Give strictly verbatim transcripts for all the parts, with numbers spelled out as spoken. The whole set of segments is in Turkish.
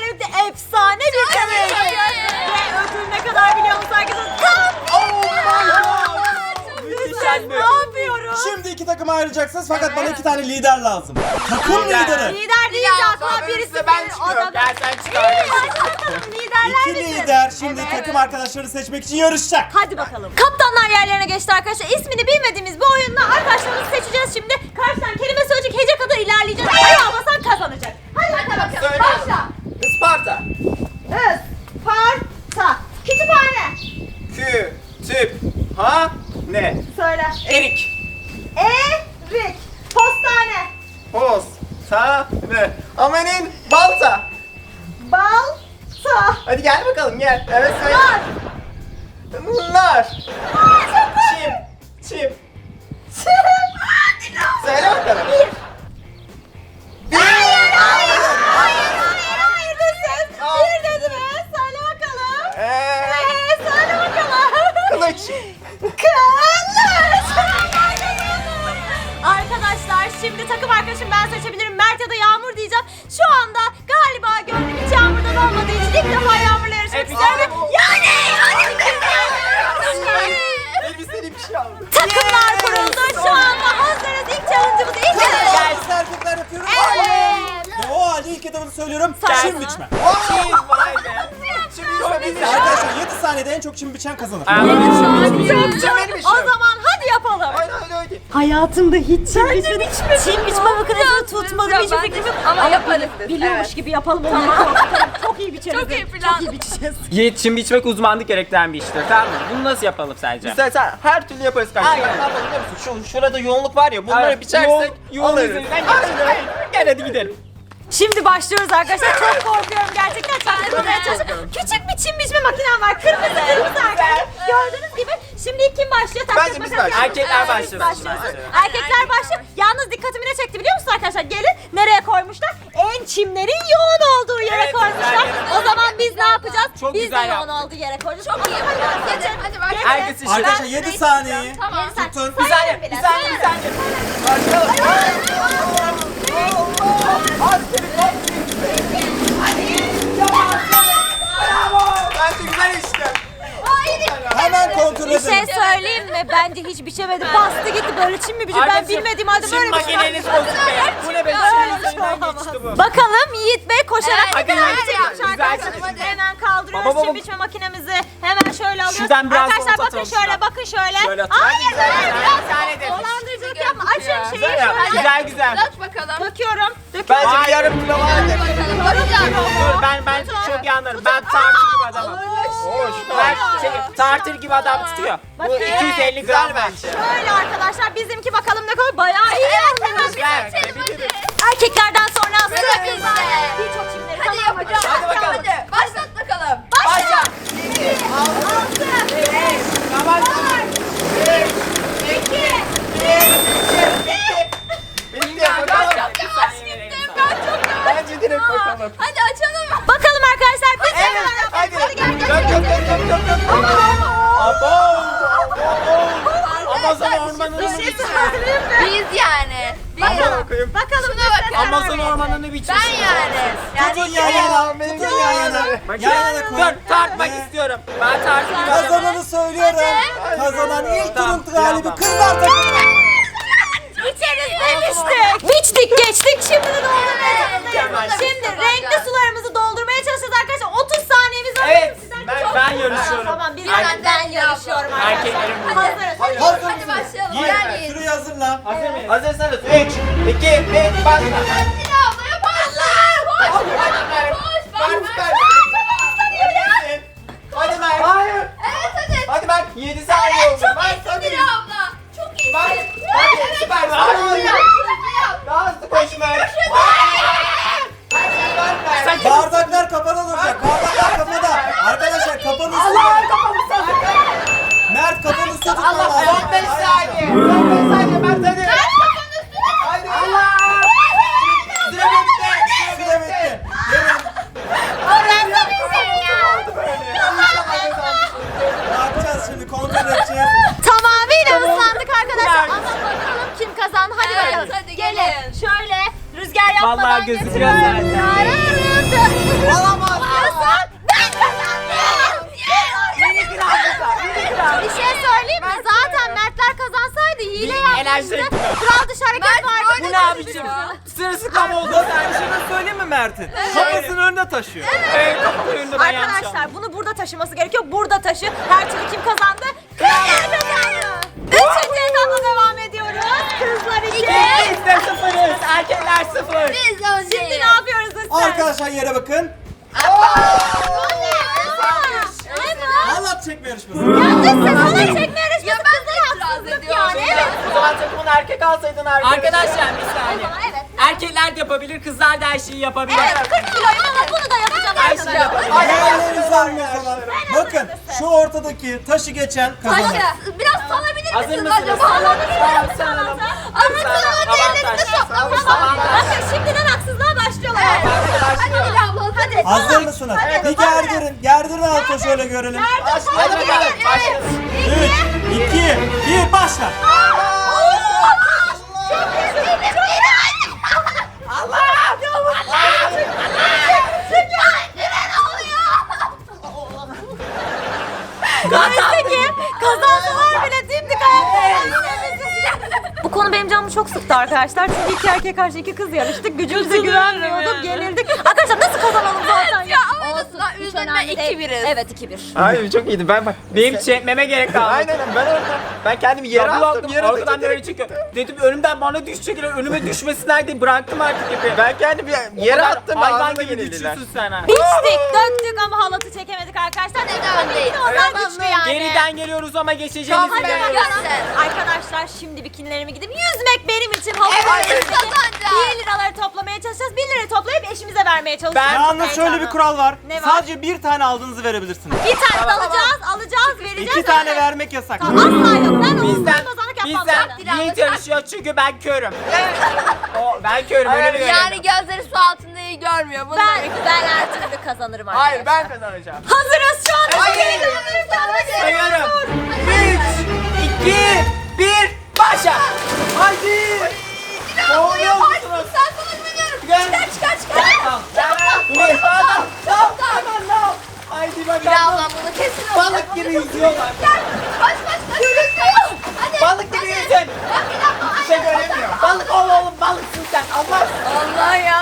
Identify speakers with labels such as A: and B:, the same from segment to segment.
A: Hem de efsane bir challenge. Ve ödül ne kadar biliyor musun arkadaşlar? Tam
B: Oh my god.
A: ne yapıyoruz?
B: Şimdi iki takıma ayrılacaksınız fakat bana iki tane lider lazım. Takım lideri.
A: Lider deyince aklıma birisi
C: ben
A: gelir.
C: çıkıyorum.
A: O da
C: Gel sen çıkar.
A: bakalım liderler
B: İki
A: misin?
B: lider şimdi takım arkadaşları seçmek için yarışacak.
A: Hadi bakalım. Kaptanlar yerlerine geçti arkadaşlar. İsmini bilmediğimiz bir oyunla arkadaşlarımızı seçeceğiz şimdi. Karşıdan kelime söyleyecek, hece kadar ilerleyeceğiz. Ayağa basan kazanacak. Hadi, hadi bakalım.
C: Söyle.
A: Başla.
C: Isparta.
A: Isparta. Kütüphane.
C: Kü. Tüp. Ha. Ne?
A: Söyle.
C: Erik.
A: Erik. Postane.
C: Poz. Ta. Ne? Amanin. Balta.
A: Balta.
C: Hadi gel bakalım gel. Evet söyle.
A: Nar.
C: Nar. Çim. Çim. Söyle bakalım. Bir.
A: Hayır, hayır, hayır, hayır desin.
C: Aa.
A: Bir dedi mi? Söyle bakalım.
C: Eee.
A: Eee, söyle bakalım.
C: Kılıç.
A: Kılıç. Arkadaşlar şimdi takım arkadaşım ben seçebilirim. Mert ya da Yağmur diyeceğim. Şu anda galiba gönlüm hiç Yağmur'dan olmadığı için ilk defa Yağmur'la yarışmak
C: Evet,
A: istiyorum.
C: bravo.
A: Yani
C: Elbiseli bir şey aldım.
A: takımlar kuruldu. Şu anda hazırız. İlk challenge'ımız ilk challenge'ımız.
B: Biz erkekler yapıyoruz.
A: Evet.
B: Ve o halde ilk etabını söylüyorum.
A: Say
B: Çim
A: bana.
B: biçme.
C: Çim. Vay be. Şimdi çok güzel.
B: Arkadaşlar yedi saniyede en çok çim biçen kazanır.
A: Çok çok.
C: benim işim.
A: O zaman hadi yapalım.
C: Aynen öyle öyle.
A: Hayatımda hiç çim biçmedim. Çim biçme makinesini tutmadım. Hiç fikrim yok.
D: Ama yaparız biz,
A: Biliyormuş
D: evet.
A: gibi yapalım onu. Tamam, çok iyi biçeriz.
D: Çok iyi plan.
A: Çok iyi biçeceğiz.
E: Yiğit, çim biçmek uzmanlık gerektiren bir iştir, tamam mı? Bunu nasıl yapalım sence?
C: Sen, sen her türlü yaparız kardeşim.
E: Aynen.
C: Ne yapalım biliyor musun? Şu, şurada yoğunluk var ya bunları
E: Evet,
C: biçersek
E: yoğun- yoğun
C: alırız.
E: üzerinden
C: Aynen.
E: Gel hadi gidelim.
A: Şimdi başlıyoruz arkadaşlar. Çok korkuyorum gerçekten. Çaktırmaya çalışıyorum. Küçük bir çim biçme makinem var. Kırmızı kırmızı arkadaşlar. Gördüğünüz gibi. Şimdi ilk kim başlıyor? Tak
C: Bence
A: tak
C: biz
A: bakalım.
C: başlayalım.
E: Erkekler
A: Evet, biz
E: başlasın.
A: başlıyoruz.
E: Başlayalım.
A: Erkekler başlıyor. Yalnız dikkatimi ne çekti biliyor musunuz arkadaşlar? Gelin nereye koymuşlar? En çimlerin yoğun olduğu yere
E: Evet,
A: koymuşlar.
E: güzel.
A: O zaman biz ne yapacağız?
E: Çok
A: biz
E: güzel
A: de yoğun
E: yaptın.
A: olduğu yere koyacağız.
D: Çok iyi. Hadi, hadi bak.
A: Gelin.
E: Herkes işi.
B: Arkadaşlar yedi saniye.
D: Tamam.
B: Tutun.
E: Bir saniye, bir saniye, bir saniye.
C: Bence güzel işte.
B: Hemen kontrol
A: Bir şey
B: edelim.
A: söyleyeyim mi? Bence hiç biçemedi. Bastı gitti böyle çim mi biçim? Ben
E: Arkadaşım,
A: bilmediğim halde
E: çim
A: böyle bir şey.
E: makineniz bozuk be. Bu ne be? Çim üzerinden geçti bu.
A: Bakalım Yiğit Bey koşarak
D: Evet,
A: hadi,
E: hadi,
A: hadi,
E: hadi,
A: çekmiş
E: güzel
A: arkadaşlar.
E: çekmiş.
A: Hemen kaldırıyoruz
E: Baba, baba.
A: çim biçme makinemizi. Hemen şöyle alıyoruz.
E: Şuradan biraz
A: arkadaşlar
E: sol
A: bakın
E: atalım
A: şöyle
E: şuradan.
A: bakın şöyle.
E: Şöyle atalım.
A: Hayır
E: Güzel,
A: hayır
E: güzel,
A: biraz
E: güzel edin.
A: dolandırıcılık yapma. Açın şeyi
E: Güzel yap.
A: şöyle.
E: Güzel güzel.
D: Aç bakalım.
A: Döküyorum. Döküyorum.
C: Bence bir yarım kilo vardır.
E: Dur ben ben çok iyi anlarım. Ben tartır gibi adamım.
C: Hoş.
E: Ben şey, tartır gibi adam tutuyor. Bu
A: Bakın.
E: iki yüz elli
C: Güzel
E: gram
C: bence.
A: Şöyle arkadaşlar bizimki bakalım ne kadar bayağı iyi yapmış.
E: Güzel.
A: Erkeklerden sonra sıra
D: Sıra
A: kızlar.
D: bizde.
A: Hiç o çimleri
D: Hadi
A: tamam mı?
D: yapacağız.
E: Hadi bakalım.
D: Hadi. Başlat bakalım.
E: Başla.
C: Bitti bakalım. Bence direkt bakalım.
D: Hadi açalım.
A: Bakalım arkadaşlar biz de
C: Evet,
A: neler
C: hadi.
A: yapıyoruz. Hadi gel gel.
C: Dök dök dök dök dök dök. Abo.
E: Amazon ormanını
A: Bir şey
E: biçti.
A: söyleyeyim mi?
D: Biz yani. Biz.
C: Aman okuyayım.
A: Bakalım
D: Şuna
A: biz de
D: bakın.
A: neler
E: Amazon
A: yapıyoruz.
E: ormanını biçmiş.
D: Ben yani.
B: Tutun yan yana. Tutun yan yana. Yan yana
E: Dur
B: koyun.
E: tartmak
B: Ve
E: istiyorum. Ben tartır gibi adamım.
B: Kazananı söylüyorum. Kazanan ilk
E: Tamam,
B: turun galibi
E: tamam.
B: kızlar takımı.
A: İçeriz demiştik. Biçtik geçtik şimdi de doldurmaya
E: Mükemmel.
A: çalışacağız. Şimdi renkli sularımızı doldurmaya çalışacağız arkadaşlar. otuz saniyemiz var.
E: Evet,
A: Sizden
E: ben,
A: çok-
E: ben yarışıyorum.
A: Tamam bir
E: Erkek-
A: ben yarışıyorum arkadaşlar.
E: Erkeklerin bu.
A: Hazırız.
C: Hadi.
B: Hazır
D: Hadi
B: mısınız?
D: başlayalım.
B: Yiğit,
D: Gel Yiğit.
B: Şurayı hazırla.
E: Hazır mıyız?
C: Hazırsanız üç, iki, bir, başla.
D: Hadi ablaya başla. Koş. Koş. Bak bak.
C: Hadi Mert. Hayır.
D: Evet hadi.
C: Hadi Mert. yedi saniye oldu.
D: Çok
C: Mert
D: iyisin
C: hadi.
D: Dila abla. Çok iyisin.
C: Bak,
D: Ya,
C: hadi,
D: evet.
C: süper.
D: Hadi
C: Hadi.
D: hızlı yap, hızlı yap.
C: Daha hızlı koş Mert.
E: Sen
B: Bardaklar kapalı olacak. Bardaklar kapıda. Arkadaşlar kafanı üstüne. Mert kafanı üstüne tutman lazım.
C: Son beş saniye. Son beş saniye Mert hadi. Hadi. Allah. Süre bitti.
B: Süre bitti. Gelin. Ne yapacağız şimdi? Kontrol edeceğiz.
A: Tamamıyla ıslandık arkadaşlar. Ama bakalım kim kazandı. Hadi
D: Evet,
A: bakalım.
D: hadi
A: gelin.
D: gelin.
A: Şöyle rüzgar yapmadan
E: Vallahi gözüküyor
A: götürüyorum.
E: zaten.
A: Ararız. kazandı.
C: Olamaz.
A: Diyorsun. Ben kazandım. Bir şey söyleyeyim mi? Zaten Mertler kazansaydı hile yapmıştı.
E: enerji-
A: Kural dışı hareket vardı.
E: Bu ne abicim? Sırılsıklam oldu.
B: Ben bir şey söyleyeyim mi Mert'in? Kafasını önüne taşıyor.
E: Evet, kapı önünde ben yanlış
A: Arkadaşlar
E: anladım.
A: bunu burada taşıması gerekiyor. Burada taşı. Her türlü kim kazandı? Kızlar kazandı. Üçüncü etapla devam ediyoruz. Kızlar iki.
E: Biz de sıfırız. Erkekler sıfır.
D: Biz önceyiz.
A: Şimdi ne yapıyoruz Israr?
B: Arkadaşlar yere bakın.
A: Ne bu?
B: Halat çekme yarışması.
A: Ya dış ses ona çekme yarışması.
D: Ya ben de
A: Kızlar
D: itiraz
A: haksızlık
D: ediyorum.
A: yani. Evet.
E: O zaman takımın erkek alsaydın arkadaşlar. Arkadaşlar bir saniye.
A: Evet.
E: Erkekler de yapabilir, kızlar da her şeyi yapabilir.
A: Evet kırk kiloyum ama bunu da yapacağım
E: Her şeyi
A: arkadaşlar.
E: yapabilir.
B: Diğerlerinizi alın o zaman. Bakın şu ortadaki taşı geçen kazanır.
D: Taşı. Biraz salabilir
E: Hazır
D: misiniz
E: mısınız?
D: acaba? Salabilir
E: Tamam,
D: misiniz?
E: sanalım.
D: Ama sana diğerlerini de
E: Avantaj.
D: toplamam.
A: Bakın şimdiden haksızlığa başlıyorlar.
D: Hadi Hülya abla hadi.
B: Hazır mısınız? Bir gerdirin. Gerdirin alta şöyle görelim.
E: Hadi bakalım, başlasın.
B: üç, iki, bir başla.
A: Neyse ki kazansalar bile dimdik ayakta. Bu konu benim canımı çok sıktı arkadaşlar. Çünkü iki erkek karşı iki kız yarıştık. Gücümüze güvenmiyorduk. Yenildik. Arkadaşlar nasıl kazanalım zaten?
D: Ya ama en azından üzerine iki biriz.
A: Evet iki bir.
E: Hayır çok iyiydi ben bak. Benim çekmeme gerek kalmadı.
C: Aynen ben orada. Ben kendimi yere
E: Yere
C: attım. Yere
E: Arkadan
C: attım.
E: böyle çekiyor. Dedim önümden bana düşecek. Önüme düşmesinler diye bıraktım artık ipi.
C: Ben kendimi yere attım.
E: Hayvan
C: ağzıma
E: gibi
C: yenildiler.
E: düşüyorsun sen ha.
A: Biçtik, döktük ama halatı çekemedik arkadaşlar.
D: Neden değil?
A: Onlar güçlü yani.
E: Geriden geliyoruz ama geçeceğimiz
D: Tamam,
E: bir
D: hadi
E: yer.
D: bakalım.
A: Arkadaşlar şimdi bikinilerimi gidip yüzmek benim için havuz
D: Evet,
A: arasındaki
D: kazanacağız.
A: bir liraları toplamaya çalışacağız. bir lirayı toplayıp eşimize vermeye çalışacağız.
E: Ben-
B: Yalnız şöyle bir kural var.
A: Ne var?
B: Sadece bir tane aldığınızı verebilirsiniz.
A: Bir tane de alacağız, alacağız, vereceğiz.
B: İki tane vermek yasak.
A: Asla yok. Ben o
E: Bizden,
A: kazanık yapmam
E: bizden
A: zaten.
E: Yiğit yarışıyor çünkü ben körüm. o, ben körüm öyle bir
D: Yani gözleri su altında iyi görmüyor. Bunu
A: Ben,
D: demek
A: ben her türlü kazanırım arkadaşlar.
C: Hayır ben kazanacağım.
A: Hazırız şu an.
C: Hayır.
E: Sayıyorum. üç, iki, bir, başla.
C: Haydi.
E: Oluyor musunuz?
D: Sen sana güveniyorum.
E: Gel.
D: Çıkar çıkar çıkar.
E: Tamam. Bir, tamam, tamam, tamam. Haydi
D: Hülya
E: bakalım.
D: abla bunu kesin
E: Balık
D: alacak.
E: gibi yüzüyorlar.
D: Gel. Koş koş koş. Hadi.
E: Balık gibi yüzün.
D: Bak bir dakika.
E: Bir şey göremiyor. Balık ol oğlum balıksın sen. Allah.
D: Allah ya.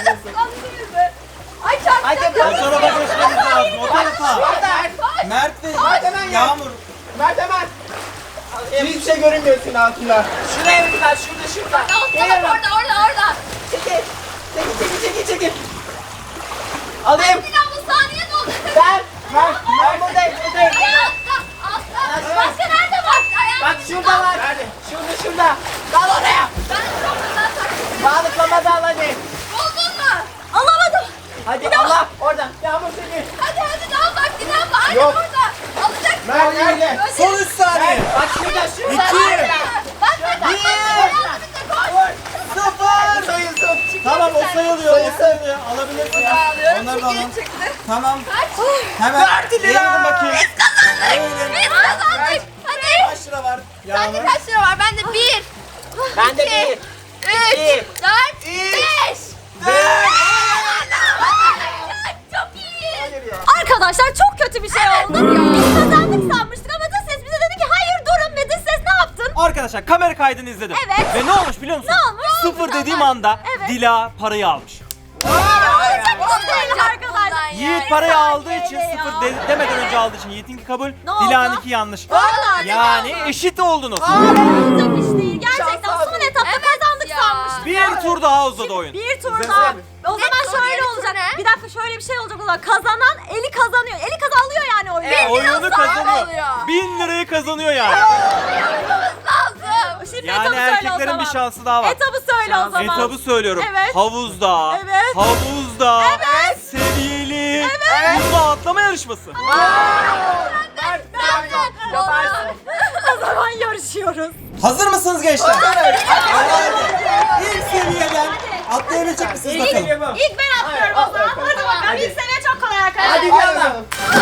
D: Ay çarptı.
E: Hadi
B: O
E: balık.
B: tarafa geçmemiz lazım. O tarafa. Mert ve Yağmur.
C: Mert hemen. Hiçbir şey görünmüyorsun altında.
E: Şuraya bir tane şurada şurada.
D: Tamam orada orada orada.
E: Çekil. Çekil çekil çekil çekil. Alayım.
D: Hülya abla saniye ne oldu?
E: Ben. Ben. Ben buradayım. buradayım.
D: Altta altta. Başka nerede var? Ayağım.
E: Bak şurada var.
C: Nerede?
E: Şurada şurada. Dal oraya.
D: Ben çok güzel taktım.
E: Balıklama dal hadi.
D: Buldun mu?
A: Alamadım.
E: Hadi Allah. Oradan. Yağmur seni.
D: Hadi hadi daha bak bir daha bak. Aynen
C: Yok.
D: orada. Alacak.
C: Mert nerede?
B: Son üç saniye.
E: Bak şurada şurada.
B: İki.
D: Bak bak bak.
E: Bir.
B: Sıfır.
C: Sayılsın.
B: Tamam o sayılıyor. O sayılıyor. Alabilirsin. Onları da alın. Tamam. Hemen. Eğilin bakayım. Eğilin.
D: Biz kazandık. Hadi.
B: Kaç lira var?
D: Sende
B: Yağmur.
D: kaç lira var? Bende bir.
E: Ben de bir.
D: Üç.
E: İki.
D: Dört. Beş. Çok iyi.
A: Arkadaşlar çok kötü bir şey oldu. Biz kazandık sanmıştık ama dış ses bize dedi ki hayır durun ve dış ses ne yaptın?
B: Arkadaşlar kamera kaydını izledim.
A: Evet.
B: Ve ne olmuş biliyor musun?
A: Ne olmuş?
B: Sıfır dediğim anda
A: Evet.
B: Dila parayı almış.
A: Olacak
D: Olacak
A: bir şey değil arkadaşlar.
D: bundan ya.
B: Yiğit parayı aldığı için
A: T L ya.
B: sıfır de- demeden önce aldığı için Yiğit'inki kabul,
A: Ne oldu?
B: Dila'nınki yanlış.
A: Vallahi
B: Yani eşit oldunuz.
A: olacak iş değil. Gerçekten son etapta
D: Evet
A: kazandık
D: ya.
A: sanmıştık.
B: Bir tur daha uzadı oyun.
A: Bir tur
B: Size
A: daha.
B: söyleyeyim.
A: O zaman
D: Ne tur,
A: şöyle
D: yeni tur
A: olacak.
D: ne?
A: Bir dakika şöyle bir şey olacak o zaman. Kazanan eli kazanıyor. Eli kazanıyor yani oyunu.
D: Evet.
B: Oyunu
D: Biraz daha
B: kazanıyor.
D: oluyor.
B: Bin lirayı kazanıyor yani.
D: Lazım.
A: Şimdi
B: Yani
A: etabı söyle o
B: erkeklerin
A: zaman.
B: bir şansı daha var.
A: Etabı söyle o zaman.
B: Etabı söylüyorum.
A: Evet.
B: Havuzda.
A: Evet.
B: Havuzda.
A: Evet.
B: Seviyeli. Havuza atlama yarışması.
E: Yaparsın.
A: O zaman yarışıyoruz.
B: Hazır mısınız gençler? Hadi. İlk seviyeden atlayabilecek misiniz
E: İlk
B: bakalım?
E: geliyor bu.
A: İlk ben atlıyorum o zaman. Hadi bakalım.
E: Hadi.
A: İlk seviye çok kolay arkadaşlar.
E: Hadi yallah.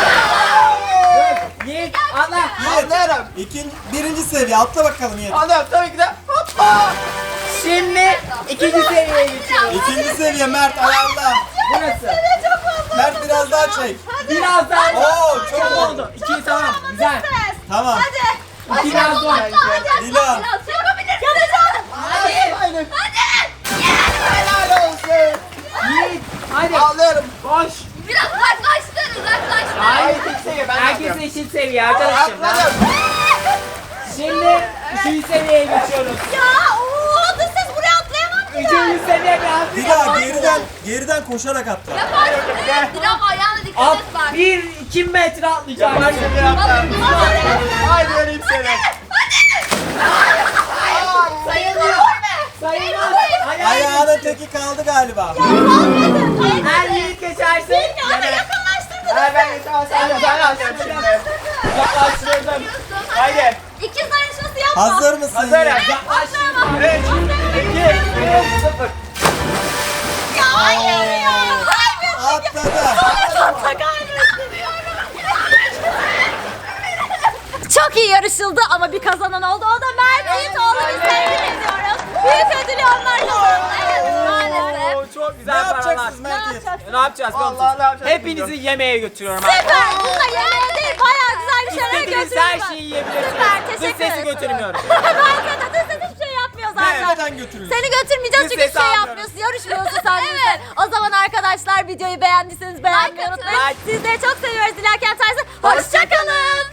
E: Yiğit atla.
C: Atlarım.
B: İkinci, birinci seviye atla bakalım Yiğit.
C: Anladım tabii ki de. Hoppa.
E: Şimdi ikinci seviyeye geçiyoruz.
B: İkinci seviye Mert ayarla.
E: Burası.
B: biraz daha çek.
E: Biraz daha.
B: Oo, çok
E: Çok
B: oldu.
E: oldu. İki tamam. Güzel.
B: Tamam.
A: Hadi.
E: İki biraz zor.
B: Dila.
A: Yapacağım.
C: Hadi. Hadi. Helal olsun.
E: Yiğit. Hadi.
C: Ağlıyorum.
E: Koş.
D: Biraz uzaklaştır, uzaklaştır.
E: Hayır.
C: Hayır tek seviye ben
E: Herkes
C: yapıyorum.
E: eşit seviye arkadaşım.
C: Atladım.
E: Şimdi üçüncü seviyeye geçiyoruz.
A: Ya ooo dış ses buraya atlayamam ki.
E: Üçüncü seviye biraz.
B: Dila geriden geriden koşarak atla.
D: Yaparsın. Dilan ayağına dikkat
E: At
D: et bak.
E: bir iki metre atlayacağım.
C: Yaparsın bir hafta. Haydi öleyim seni.
E: Sayılmıyor. Sayılmaz. Ayağı.
B: Ayağının teki kaldı galiba.
E: Her yiğit geçerse. yener.
C: Ha ben geçemem sen de ben alacağım şimdi. Yaklaştırdım. Haydi.
A: İkiz yarışması yapma.
B: Hazır mısın?
C: Hazırım.
E: Yaklaştırma.
C: üç, iki, bir, sıfır.
A: Ya hayır ya.
B: Atladı.
A: Çok iyi yarışıldı ama bir kazanan oldu. O da Mert Yiğit. Oğlunu tebrik ediyoruz. Büyük ödülü onlar kazandı. Evet maalesef.
E: Oo, çok
B: Ne
E: güzel paralar.
B: yapacaksınız
A: Ne
B: Mert Yiğit?
A: yapacaksın?
E: Ne yapacağız? biliyor musunuz?
C: Vallahi ne yapacağız
E: Hepinizi yemeğe götürüyorum.
A: Süper. Bununla yemeğe değil bayağı güzel bir şeyler
E: İstediğiniz
A: götürüyorum.
E: her şeyi yiyebilirsiniz.
A: Süper,
E: Dış
A: teşekkür
E: sesi
A: ederim.
E: götürmüyorum.
A: Bence de dış ses hiçbir şey yapmıyor zaten.
B: Nereden götürüyorsun?
A: Seni götürmeyeceğiz
E: Dış
A: çünkü
E: sesi
A: hiçbir şey
E: almıyorum.
A: yapmıyorsun. Yarışmıyorsun sen bizle. O zaman arkadaşlar videoyu beğendiyseniz beğenmeyi
D: Like atın.
A: unutmayın.
E: Like.
A: Sizleri çok seviyoruz. Dilerken Tersi. Hoşçakalın.